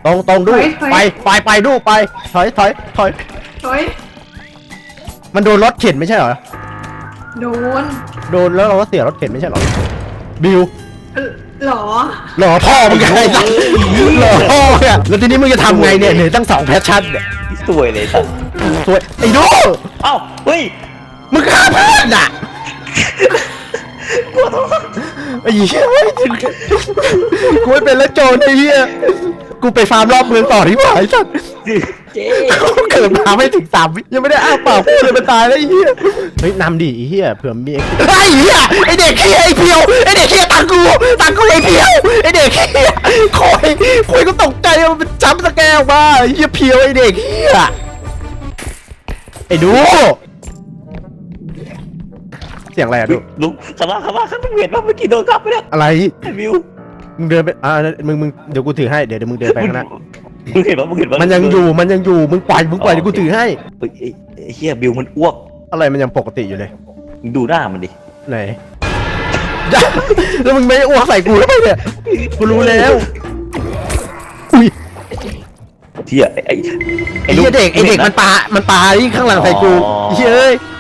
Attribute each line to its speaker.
Speaker 1: ตรงดูไปดูไปถอยมันโดนรถเข็นไม่ใช่เหรอโดนแล้วเราก็เสียรถเข็นไม่ใช่เหรอบิว
Speaker 2: หรอ
Speaker 1: พ่อมึงไงหล่อพ่อเนี่ยแล้วทีนี้มึงจะทำไงเนี่ยเหนื่อยตั้ง2แพชชั่นเนี่ย
Speaker 3: สวยเลยสัส
Speaker 1: สวยไอ้ดู
Speaker 3: เอ้าเฮ้ย
Speaker 1: มึงฆ่าเพื่อนอ่ะไอ้เหี้ยกูไม่เป็นแล้วโจรไอ้เหี้ยกูไปฟาร์มรอบเมืองต่อที่ว่าไอ้สัส
Speaker 3: เจ๊
Speaker 1: เกิดมาไม่ถึง3 วิยังไม่ได้อ้าปากพูดเลยมันตายแล้วไอ้เหี้ยเฮ้ยนำดิไอ้เหี้ยเผื่อมีไอ้เหี้ยไอ้เด็กเหี้ยไอ้เพียวไอ้เด็กเหี้ยตังกูไอ้เพียวไอ้เด็กเหี้ยคอยก็ตกใจมันเป็นจัมป์สแกร์ออกมาไอ้เหี้ยเพียวไอ้เด็กเหี้ยไอ้ดูเสียงอะไรอะดู
Speaker 3: ลุกข้างล่างข้างเห็นว่าเมื่อกี้โดนขับไปเนี่ย
Speaker 1: อะไร
Speaker 3: ไอ้วิว
Speaker 1: มึงเดินไปมึงเดี๋ยวกูถือให้เดี๋ยวมึงเดินไปข้างหน้า
Speaker 3: มึงเห็นว่า
Speaker 1: มันยังอยู่มึงปล่อยเดี๋ยวกูถือให้
Speaker 3: เฮ้ยไอ้เฮียบิวมันอ้วก
Speaker 1: อะไรมันยังปกติอยู่เลย
Speaker 3: มึงดูหน้ามันดิ
Speaker 1: ไหน แล้วมึงไม่อ้วกใส่กูแล้วไปเนี่ยกูรู้แล้วอุ้ย
Speaker 3: เฮียไอ้
Speaker 1: ไอ้เหี้ยเด็กมันปาที่ข้างหลังใส่กูเฮ้ย